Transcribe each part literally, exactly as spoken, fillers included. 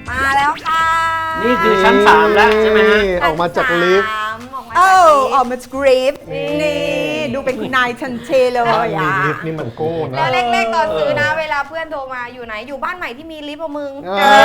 มาแล้วค่ะนี่คือชั้นสามแล้วใช่ไหมฮะออกมาจากลิฟต์เออออกมาจากลิฟต์นี่ดูเป็นคุณนายทันเทเลยอ่ะลิฟต์นี่มันโก้นะแล้วแรกๆตอนซื้อนะเวลาเพื่อนโทรมาอยู่ไหนอยู่บ้านใหม่ที่มีลิฟต์อะมึง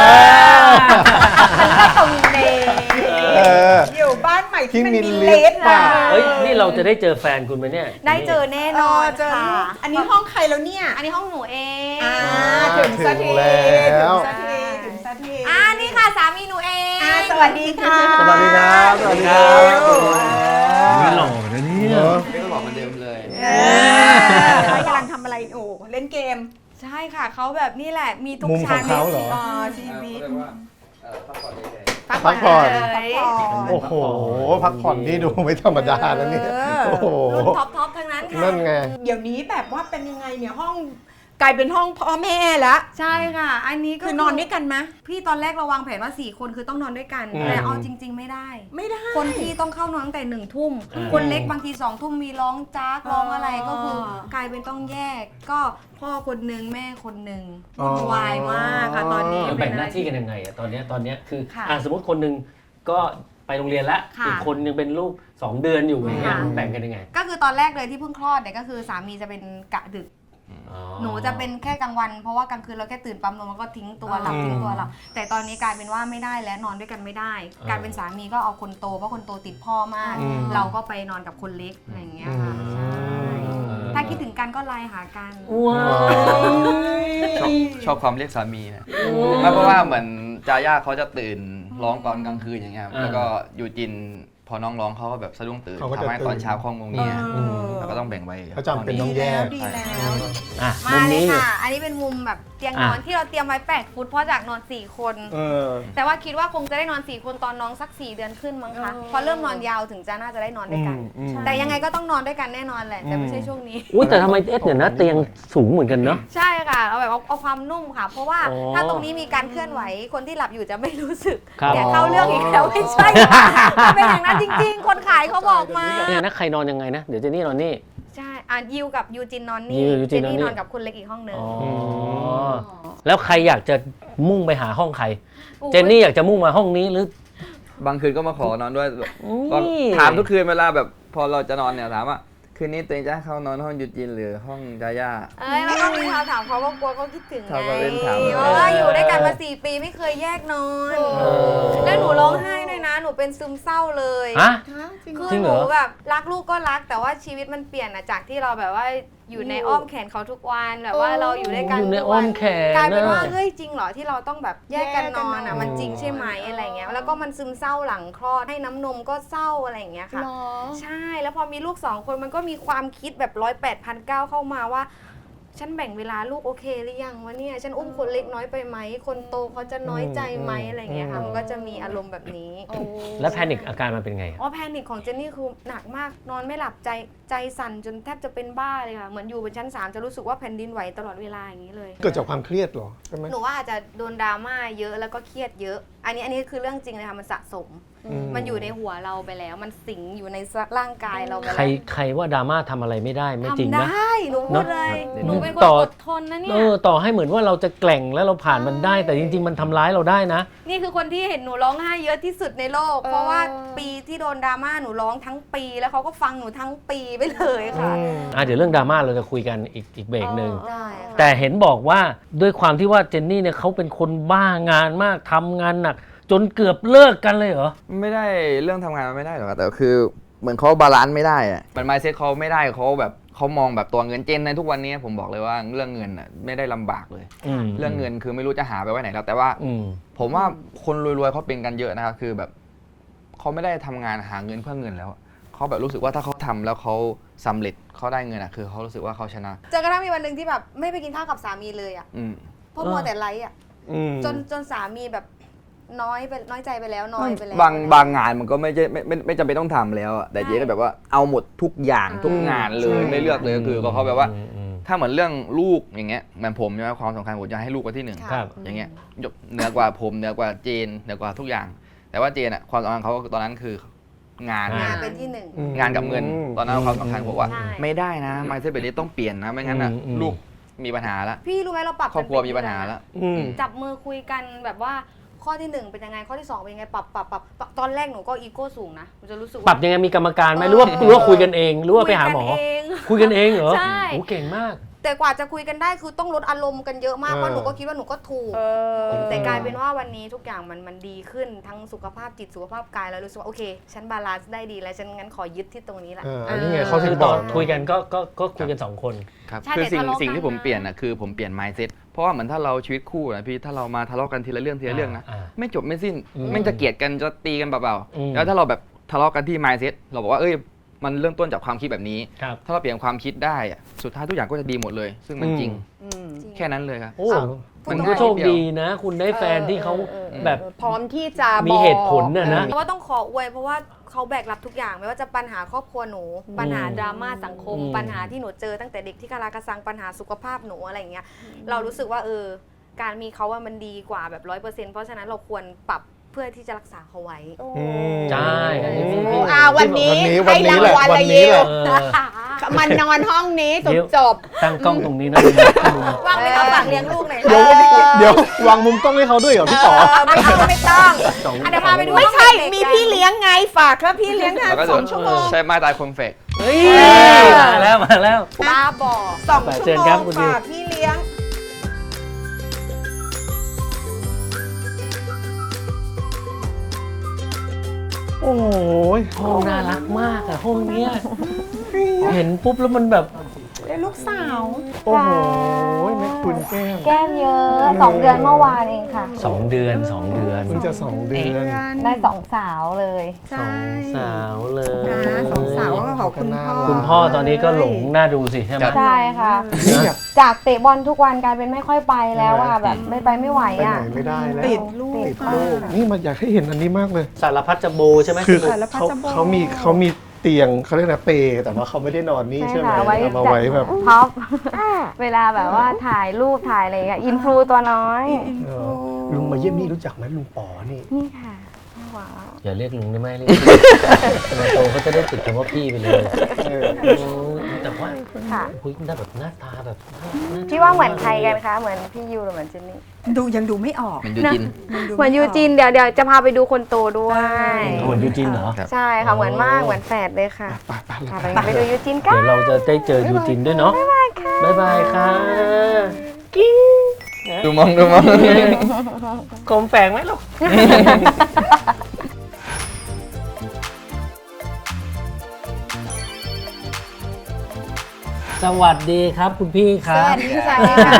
มันก็ตรงเดอยู่บ้านใหม่ที่มันมีลิฟต์อ่ะเฮ้ยนี่เราจะได้เจอแฟนคุณไหมเนี่ยได้เจอแน่นอนค่ะอันนี้ห้องใครแล้วเนี่ยอันนี้ห้องหนูเองถึงสักทีถึงสักทีถึงสักทีอ่านี่ค่ะสามีหนูเองสวัสดีค่ะสวัสดีครับสวัสดีครับนี่หล่อนะเนี่ยไม่หล่อเหมือนเดิมเลยกำลังทำอะไรโอ้เล่นเกมใช่ค่ะเขาแบบนี่แหละมีทุกชั้นในชีวิตพักผ่อนโอ้โหพักผ่อนนี่ดูไม่ธรรมดาแล้วนี่โอ้โหท็อปท็อปทั้งนั้นค่ะนั่นไงเดี๋ยวนี้แบบว่าเป็นยังไงเนี่ยห้องกลายเป็นห้องพ่อแม่แล้วใช่ค่ะอันนี้ก็คือนอนด้วยกันไหมพี่ตอนแรกเราวางแผนว่าสี่คนคือต้องนอนด้วยกันแต่เอาจริงๆไม่ได้ไม่ได้คนพี่ต้องเข้านอนตั้งแต่หนึ่งทุ่มคนเล็กบางทีสองทุ่มมีร้องจ้ากร้องอะไรก็คือกลายเป็นต้องแยกก็พ่อคนนึงแม่คนนึงวุ่นวายมากค่ะตอนนี้แบ่งหน้าที่กันยังไงอะตอนนี้ตอนนี้คืออ่าสมมติคนนึงก็ไปโรงเรียนแล้วอีกคนนึงเป็นลูกสองเดือนอยู่อย่างเงี้ยแบ่งกันยังไงก็คือตอนแรกเลยที่เพิ่งคลอดเนี่ยก็คือสามีจะเป็นกะดึกหนูจะเป็นแค่กลางวันเพราะว่ากลางคืนเราแค่ตื่นปั๊มนมแล้วก็ทิ้งตัวหลับทิ้งตัวหลับแต่ตอนนี้กลายเป็นว่าไม่ได้แล้วนอนด้วยกันไม่ได้กลายเป็นสามีก็เอาคนโตเพราะคนโตติดพ่อมากเราก็ไปนอนกับคนเล็กอะไรอย่างเงี้ยค่ะใช่ถ้าคิดถึงกันก็ไลน์หากันว้าวชอบความเรียกสามีนะไม่เพราะว่าเหมือนจาย่าเขาจะตื่นร้องตอนกลางคืนอย่างเงี้ยแล้วก็ยูจินพอน้องร้องเขาก็แบบสะดุ้งตื่นทำให้ตอนเช้าคล่องงงเงี้ยแล้วก็ต้องแบ่งไว้เขาจำเป็นต้องแยกมาเลยค่ะอันนี้เป็นมุมแบบเตียงนอนที่เราเตรียมไว้แปดฟุตเพราะจากนอนสี่คนแต่ว่าคิดว่าคงจะได้นอนสี่คนตอนน้องสักสี่เดือนขึ้นมั้งคะพอเริ่มนอนยาวถึงจะน่าจะได้นอนด้วยกันแต่ยังไงก็ต้องนอนด้วยกันแน่นอนแหละแต่ไม่ใช่ช่วงนี้อุ้ยแต่ทำไมเอสเนี่ยนะเตียงสูงเหมือนกันเนาะใช่ค่ะเอาแบบเอาความนุ่มค่ะเพราะว่าถ้าตรงนี้มีการเคลื่อนไหวคนที่หลับอยู่จะไม่รู้สึกแต่เข้าเรื่องอีกแล้วไม่ใช่เป็นอย่างนั้นจริงๆคนขายเขาบอกมาเนี่ยนะใครนอนยังไงนะเดี๋ยวเจนนี่นอนนี่ใช่อ่ะยิวกับยูจินนอนนี่เจนนี่นอนกับคุณเล็กอีกห้องนึงแล้วใครอยากจะมุ่งไปหาห้องใครเจนนี่อยากจะมุ่งมาห้องนี้หรือบางคืนก็มาขอนอนด้วยถามทุกคืนเวลาแบบพอเราจะนอนเนี่ยถามว่าคืนนี้ตัวเองจะให้เขานอนห้องยูจินหรือห้องจาย่าเอ้ยแล้วก็มีคำถามเขาว่ากลัวเขาคิดถึงไงเพราะว่าอยู่ด้วยกันมาสี่ปีไม่เคยแยกนอนแล้วหนูร้องไห้ด้วยนะหนูเป็นซึมเศร้าเลยคือหนูแบบรักลูกก็รักแต่ว่าชีวิตมันเปลี่ยนอะจากที่เราแบบว่าอยู่ในอ้อมแขนเขาทุกวันแบบว่าเราอยู่ด้วยกันอยู่ในอ้อมแขนกลายเป็นว่าเฮ้ยจริงเหรอที่เราต้องแบบแยกกันนอนอะมันจริงใช่ไหมอะไรเงี้ยแล้วก็มันซึมเศร้าหลังคลอดให้น้ำนมก็เศร้าอะไรอย่างเงี้ยค่ะใช่แล้วพอมีลูกสองคนมันก็มีความคิดแบบร้อยแปดพันเก้าเข้ามาว่าฉันแบ่งเวลาลูกโอเคหรือยังวะเนี่ยฉันอุ้มคนเล็กน้อยไปไหมคนโตเขาจะน้อยใจไหมอะไรเงี้ยค่ะมันก็จะมีอารมณ์แบบนี้แล้วแพนิคอาการมันเป็นไงอ๋อแพนิคของเจนนี่คือหนักมากนอนไม่หลับใจใจสั่นจนแทบจะเป็นบ้าเลยค่ะเหมือนอยู่บนชั้นสามจะรู้สึกว่าแผ่นดินไหวตลอดเวลาอย่างนี้เลยเกิดจากความเครียดหรอใช่ไหมหนูว่าอาจจะโดนดราม่าเยอะแล้วก็เครียดเยอะอันนี้อันนี้คือเรื่องจริงเลยค่ะมันสะสมมันอยู่ในหัวเราไปแล้วมันสิงอยู่ในร่างกายเราไปแล้วใครใครว่าดราม่าทำอะไรไม่ได้ไม่จริงนะทำได้หนูพูดเลยหนูเป็นคนอดทนนะเนี่ยเออต่อให้เหมือนว่าเราจะแกล่งแล้วเราผ่านมันได้แต่จริงๆมันทำร้ายเราได้นะนี่คือคนที่เห็นหนูร้องไห้เยอะที่สุดในโลกเพราะว่าปีที่โดนดราม่าหนูร้องทั้งปีแล้วเขาก็ฟังหนูทั้งปีไปเลยค่ะอ่ะเดี๋ยวเรื่องดราม่าเราจะคุยกันอีกอีกเบรกหนึ่งแต่เห็นบอกว่าด้วยความที่ว่าเจนนี่เนี่ยเขาเป็นคนบ้างานมากทำงานหนักจนเกือบเลิกกันเลยเหรอไม่ได้เรื่องทำงานมันไม่ได้หรอกแต่คือเหมือนเขาบาลานซ์ไม่ได้อะมัน mindset เขาไม่ได้เขาแบบเขามองแบบตัวเงินเจนในทุกวันนี้ผมบอกเลยว่าเรื่องเงินอ่ะไม่ได้ลำบากเลยเรื่องเงินคือไม่รู้จะหาไปไว้ไหนแล้วแต่ว่าผมว่าคนรวยๆเขาเป็นกันเยอะนะครับคือแบบเขาไม่ได้ทำงานหาเงินเพื่อเงินแล้วเขาแบบรู้สึกว่าถ้าเขาทำแล้วเขาสำเร็จเขาได้เงินอ่ะคือเขารู้สึกว่าเขาชนะจนกระทั่งมีวันหนึ่งที่แบบไม่ไปกินข้าวกับสามีเลยอ่ะเพราะมัวแต่ไลฟ์อ่ะจนจนสามีแบบน้อยไปน้อยใจไปแล้วน้อยไปแล้วบางบางงานมันก็ไม่ใช่ไม่ไม่ไม่จำเป็นต้องทำแล้วแต่เจ๊ก็แบบว่าเอาหมดทุกอย่างทุกงานเลยไม่เลือกเลยก็คือเขาแบบว่าถ้าเหมือนเรื่องลูกอย่างเงี้ยเหมือนผมใช่ไหมความสำคัญผมจะให้ลูกไว้ที่หนึ่งอย่างเงี้ยเหนือกว่าผมเหนือกว่าเจนเหนือกว่าทุกอย่างแต่ว่าเจนอะความสำคัญเขาตอนนั้นคืองานงานเป็นที่หนึ่งงานกับเงินตอนนั้นความสำคัญผมว่าไม่ได้นะไมซ์เซ็ตแบบนี้ต้องเปลี่ยนนะไม่งั้นอะลูกมีปัญหาแล้วพี่รู้ไหมเราปรับครอบครัวมีปัญหาแล้วจับมือคุยกันแบบว่าข้อที่หนึ่งเป็นยังไงข้อที่สองเป็นยังไงปรับปรับปรับปรับตอนแรกหนูก็อีโก้สูงนะหนูจะรู้สึกปว่ารับยังไงมีกรรมการไหมหรือว่าหรือว่าคุยกันเองหรือว่าไปหาหมอคุยกันเองคุยกันเองเหรอใช่โอ้เก่งมากแต่กว่าจะคุยกันได้คือต้องลดอารมณ์กันเยอะมากเออเพราะหนูก็คิดว่าหนูก็ถูกเออแต่กลายเป็นว่าวันนี้ทุกอย่างมันมันดีขึ้นทั้งสุขภาพจิตสุขภาพกายแล้วรู้สึกว่าโอเคฉันบาลานซ์ได้ดีแล้วฉันงั้นขอยึดที่ตรงนี้แหละเอออันนี้ไงข้อคืที่อสต่อองคุยกันก็ก็ก็คุยกันสองคนครับใช่คือแต่สิ่งทะเลาะสิ่งที่กันผมนะเปลี่ยนอ่ะคือผมเปลี่ยน mindset เพราะว่าเหมือนถ้าเราชีวิตคู่นะพี่ถ้าเรามาทะเลาะกันทีละเรื่องทีละเรื่องนะอ่าไม่จบไม่สิ้นอืมไม่จะเกลียดกันจะตีกันเปล่าอืมๆแล้วถ้าเราแบบทะเลาะกันที่ mindset เราบอกว่าเอ้ยมันเริ่มต้นจากความคิดแบบนี้ครับถ้าเราเปลี่ยนความคิดได้อะสุดท้ายทุกอย่างก็จะดีหมดเลย ซึ่งมันจริงอืมแค่นั้นเลยครับโอ้อ้าวมันก็โชคดีนะ คุณได้แฟนที่เขาเออเออแบบพร้อมที่จะมีบอกเหตุผลน่ะนะเพราะว่าต้องขออวยเพราะว่าเขาแบกรับทุกอย่างไม่ว่าจะปัญหาครอบครัวหนู ปัญหาดราม่าสังคมอืมปัญหาที่หนูเจอตั้งแต่เด็กที่กาลากระซังปัญหาสุขภาพหนูอะไรอย่างเงี้ยเรารู้สึกว่าเออการมีเขาว่ามันดีกว่าแบบร้อยเปอร์เซ็นต์เพราะฉะนั้นเราควรปรับเพื่อที่จะรักษาเขาไว้อืมใช่อันนี้พี่พี่อ่าวันนี้วันนี้ให้วันนี้รางวัลแหละละวันนี้ยิแหวละเออมันนอนห้องนี้จเดี๋บยวจบตั้งกล้องตรงนี้นะลุงว่างไหมคะฝากเลี้ยงลูกหน่อยเดี๋ยวค่ะเดี๋ยววางมุมกล้องให้เขาด้วยเหรอพี่ป๋อเออไม่ต้องไม่ต้องสองอ่ะเดี๋ยวพาไปดูไม่ใช่ห้องเด็กๆมีพี่เลี้ยงไงฝากครับพี่เลี้ยงงานแล้วก็สองชั่วโมงใช้ไม้ตายคมเฟกเฮ้ยมาแล้วมาแล้วบ้าบอสองไปชั่วเชิญโมครับงคุณดิวฝากพี่เลี้ยงโอ้ยห้องน่ารักมากอะห้องเนี้ยเห็นปุ๊บแล้วมันแบบและลูกสาวโอ้โหแม่คุณแก้มแก้มเยอะสองเดือนเมื่อวานเองค่ะสองเดือนสองเดือนเพิ่งจะสองเดือนได้สองสาวเลยสองสาวเลยนะสองสาวก็ขอบคุณพ่อคุณพ่อตอนนี้ก็หลงน่าดูสิใช่ไหมครับใช่ค่ะ จากเตะบอลทุกวันกลายเป็นไม่ค่อยไปแล้วอะแบบไม่ไปไม่ไหวไปไหนอะไม่ได้แล้วติดลูกติดลูกนี่มันอยากให้เห็นอันนี้มากเลยสารพัดจะโบใช่ไหมคือสรุปสารพัดเขาจะบอกเขามีเขามีเตียงเขาเรียกนะเปรแต่ว่าเขาไม่ได้นอนนี่ใช่ไหมค่ะไว้เอามาไว้แบบท็อป เวลาแบบว่าถ่ายรูปถ่ายอะไรอย่างเงี้ยอินฟลูตัวน้อยเออลุงมาเยี่ยมนี่รู้จักไหมลุงป๋อนี่นี่ค่ะว้าวอย่าเรียกลุงได้ไหมเรียกมาโตเขาจะได้ติดคำว่าพี่ไปเลยเออโอ้แต่ว่าค่ะคุยได้แบบหน้าตาแบบน่พี่ว่าเหมือนใครกันคะเหมือนพี่ยูหรือเหมือนเจนนี่ดูยังดูไม่ออกมันยูจินเหมือนยูจินเดี๋ยวเดี๋ยวจะพาไปดูคนโตด้วยเหมือนยูจินเหรอครับใช่ค่ะเหมือนมากเหมือนแฝดเลยค่ะไปไปเลยค่ะไปไปไปดูยูจินกัเดี๋ยนวเราจะได้เจอยูจินด้วยเนาะบ๊ายบายค่ะบ๊ายบายค่ะกิ้งดูมองดูมองคมแฝงไหมลูก สวัสดีครับคุณพี่คสรับวัสดีค่ะ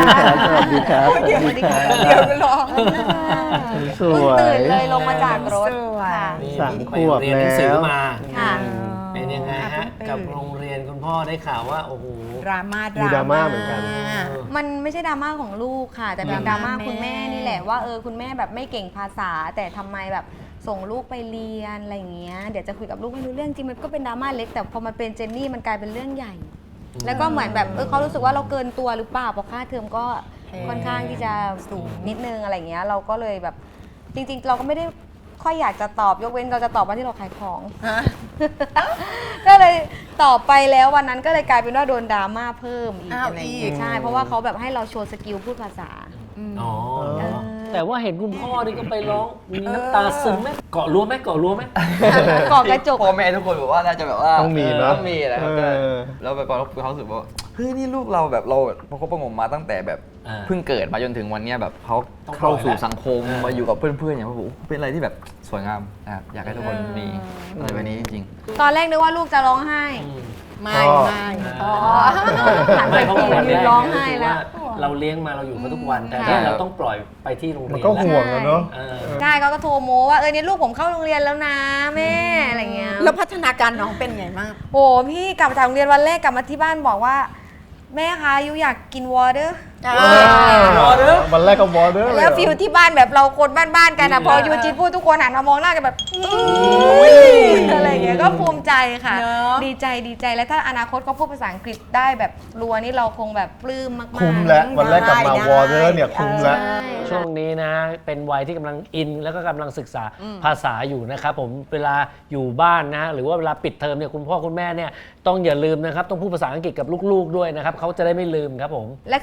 สวัสดีครับสวัสดีครับเดี๋ยวร้องสวยตื่นเลยลงมาจากรถสวยค่ะนี่สามไปขวบเรียนหนังสือแล้วมาค่ะเป็นยังไงฮะ กับโรงเรียนคุณพ่อได้ข่าวว่า โอ้โหดราม่ามีดราม่าเหมือนกันมันไม่ใช่ดราม่าของลูกค่ะ แต่เป็นดราม่าคุณแม่นี่แหละว่าเออคุณแม่แบบไม่เก่งภาษา แต่ทำไมแบบส่งลูกไปเรียนอะไรอย่างเงี้ยเดี๋ยวจะคุยกับลูกไม่รู้เรื่องจริงมันก็เป็นดราม่าเล็กแต่พอมันเป็นเจนนี่มันกลายเป็นเรื่องใหญ่ แล้วก็เหมือนแบบเออเขารู้สึกว่าเราเกินตัวหรือเปล่าเพราะค่าเทอมก็ค่อนข้างที่จะสูงนิดนึงอะไรอย่างเงี้ยเราก็เลยแบบจริงๆ เราก็ไม่ได้ค่อยอยากจะตอบยกเว้นเราจะตอบวันที่เราขายของ ก็เลยตอบไปแล้ววันนั้นก็เลยกลายเป็นว่าโดนดราม่าเพิ่มอีกอ้าวอะไรอย่างอีเงี้กยใช่เพราะว่าเขาแบบให้เราโชว์สกิลพูดภาษาอ๋อเออแต่ว่าเห็นคุณพ่อนี่ก็ไปร้องมีน้ำตาซึมไหมเกาะรั้วไหมเกาะรั้วไหมก่อกระจกพ่อแม่ทุกคนบอกว่าน่าจะแบบว่าต้องมีเนอะต้องมีแหละครับเออแล้วแบบเราเขารู้สึกว่าเฮ้ยนี่ลูกเราแบบเราประคบประหงมมาตั้งแต่แบบอ่าเพิ่งเกิดมาจนถึงวันเนี้ยแบบเขาต้องปล่อยเข้าสู่แล้วสังคมอ่ามมาอยู่กับเพื่อนๆอย่างว่าโอ้โหเป็นอะไรที่แบบสวยงามนะครับอยากให้ทุกคนมีอะไรแบบนี้จริงตอนแรกนึกว่าลูกจะร้องไห้อืมไม่ไม่อ๋อหันไปไม่เพราะว่าวันแรยืกนร้องไห้แล้วเราเลี้ยงมาเราอยู่เขาทุกวัน แต่ค่ะเนี่ยเราต้องปล่อยไปที่โรงเรียนมันก็ห่วงอะเนาะเออใช่เขาก็โทรโมว่าเออเนี่ยลูกผมเข้าโรงเรียนแล้วนะแม่อะไรเงี้ยแล้วพัฒนาการน้องเป็นไงมากโอ้พี่กลับจากโรงเรียนวันแรกกลับมาที่บ้านบอกว่า แม่คะยูอยากกินวอเตอร์วันแรกก็วอเดอร์เลยแล้วเหรอฟิลที่บ้านแบบเราคนบ้านๆกันอะพอยูจินพูดทุกคนหันมามองหน้ากันแบบอุ๊ยอะไรเงี้ยก็ภูมิใจค่ะเนอะดีใจดีใจแล้วถ้าอนาคตเขาพูดภาษาอังกฤษได้แบบรัวนี่เราคงแบบปลื้มมากๆคุ้มแล้ววันแรกกลับมาได้วอเดอร์เนี่ยคุ้มแล้วใช่ช่วงนี้นะเป็นวัยที่กำลังอินแล้วก็กำลังศึกษาภาษาอยู่นะครับผมเวลาอยู่บ้านนะหรือว่าเวลาปิดเทอมเนี่ยคุณพ่อคุณแม่เนี่ยต้องอย่าลืมนะครับต้องพูดภาษาอังกฤษกับลูกๆด้วยนะครับเขาจะได้ไม่ลืมครับผมและคือพอดี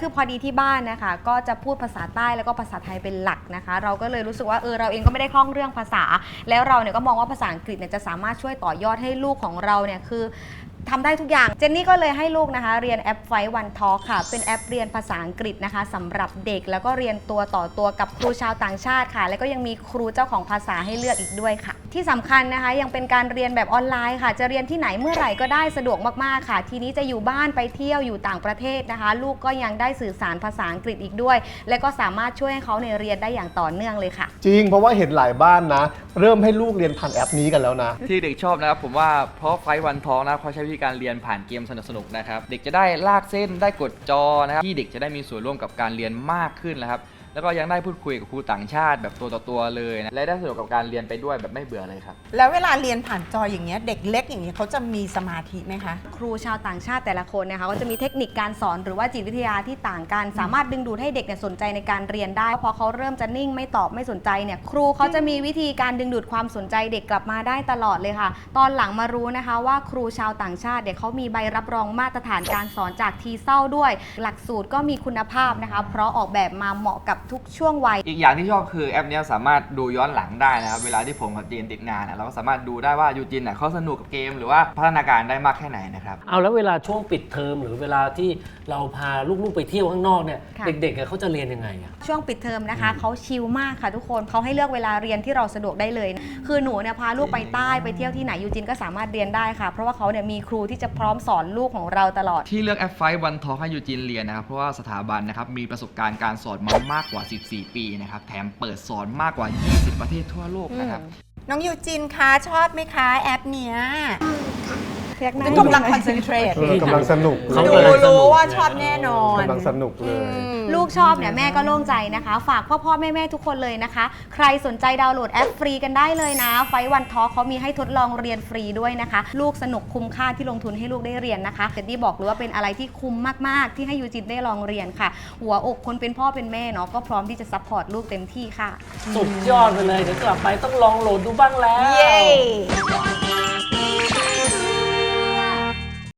ที่บ้านนะคะก็จะพูดภาษาใต้แล้วก็ภาษาไทยเป็นหลักนะคะ เราก็เลยรู้สึกว่าเออเราเองก็ไม่ได้คล่องเรื่องภาษา แล้วเราเนี่ยก็มองว่าภาษาอังกฤษเนี่ยจะสามารถช่วยต่อยอดให้ลูกของเราเนี่ยคือทำได้ทุกอย่างเจนนี่ก็เลยให้ลูกนะคะเรียนแอปไฟวันทอล์คค่ะเป็นแอปเรียนภาษาอังกฤษนะคะสำหรับเด็กแล้วก็เรียนตัวต่อตัวกับครูชาวต่างชาติค่ะแล้วก็ยังมีครูเจ้าของภาษาให้เลือกอีกด้วยค่ะที่สำคัญนะคะยังเป็นการเรียนแบบออนไลน์ค่ะจะเรียนที่ไหนเมื่อไหร่ก็ได้สะดวกมากๆค่ะทีนี้จะอยู่บ้านไปเที่ยวอยู่ต่างประเทศนะคะลูกก็ยังได้สื่อสารภาษาอังกฤษอีกด้วยและก็สามารถช่วยให้เขาในเรียนได้อย่างต่อเนื่องเลยค่ะจริงเพราะว่าเห็นหลายบ้านนะ เริ่มให้ลูกเรียนผ่านแอปนี้กันแล้วนะที่เด็กชอบนะครับผมว่าเพราะไฟวันทองนะเขาใช้วิธีการเรียนผ่านเกมสนุกๆนะครับเด็กจะได้ลากเส้นได้กดจอนะครับที่เด็กจะได้มีส่วนร่วมกับการเรียนมากขึ้นนะครับแล้วก็ยังได้พูดคุยกับครูต่างชาติแบบตัวต่อตัวเลยนะและได้สนุกกับการเรียนไปด้วยแบบไม่เบื่อเลยครับแล้วเวลาเรียนผ่านจออย่างเงี้ยเด็กเล็กอย่างเงี้ยเขาจะมีสมาธิไหมคะครูชาวต่างชาติแต่ละคนนะคะก็จะมีเทคนิคการสอนหรือว่าจิตวิทยาที่ต่างกันสามารถดึงดูดให้เด็กเนี่ยสนใจในการเรียนได้พอเขาเริ่มจะนิ่งไม่ตอบไม่สนใจเนี่ยครูเขาจะมีวิธีการดึงดูดความสนใจเด็กกลับมาได้ตลอดเลยค่ะตอนหลังมารู้นะคะว่าครูชาวต่างชาติเด็กเขามีใบรับรองมาตรฐานการสอนจากทีเซลด้วยหลักสูตรก็มีคุณภาพนะคะเพราะออกแบบมาเหมาะกับทุกช่วงวัยอีกอย่างที่ชอบคือแอปนี้สามารถดูย้อนหลังได้นะครับเวลาที่ผมกับจีนติดงานเราก็สามารถดูได้ว่ายูจินเขาสนุกกับเกมหรือว่าพัฒนาการได้มากแค่ไหนนะครับเอาแล้วเวลาช่วงปิดเทอมหรือเวลาที่เราพาลูกๆไปเที่ยวข้างนอกเนี่ยเด็กๆเขาจะเรียนยังไงอะช่วงปิดเทอมนะคะเขาชิลมากค่ะทุกคนเขาให้เลือกเวลาเรียนที่เราสะดวกได้เลยคือหนูเนี่ยพาลูกไปใต้ไปเที่ยวที่ไหนยูจินก็สามารถเรียนได้ค่ะเพราะว่าเขาเนี่ยมีครูที่จะพร้อมสอนลูกของเราตลอดที่เลือกแอปไฟวันทอล์คให้ยูจินเรียนนะครับเพราะว่าสถาบันนะครับมีประสบการณ์การสอนมามากกว่าสิบสี่ปีนะครับแถมเปิดสอนมากกว่ายี่สิบประเทศทั่วโลกนะครับน้องยูจินคะชอบไหมคะแอปเนี้ยกำลังคอนเซนเทรตกำลังสนุกดูรู้ว่าชอบแน่นอนกำลังสนุกเลยลูกชอบเนี่ยแม่ก็โล่งใจนะคะฝากพ่อพ่อแม่แม่ทุกคนเลยนะคะใครสนใจดาวน์โหลดแอปฟรีกันได้เลยนะไฟวันทอล์คเขามีให้ทดลองเรียนฟรีด้วยนะคะลูกสนุกคุ้มค่าที่ลงทุนให้ลูกได้เรียนนะคะเจนนี่บอกเลยว่าเป็นอะไรที่คุ้มมากๆที่ให้ยูจินได้ลองเรียนค่ะหัวอกคนเป็นพ่อเป็นแม่เนาะก็พร้อมที่จะซัพพอร์ตลูกเต็มที่ค่ะสุดยอดไปเลยเดี๋ยวกลับไปต้องลองโหลดดูบ้างแล้วเย้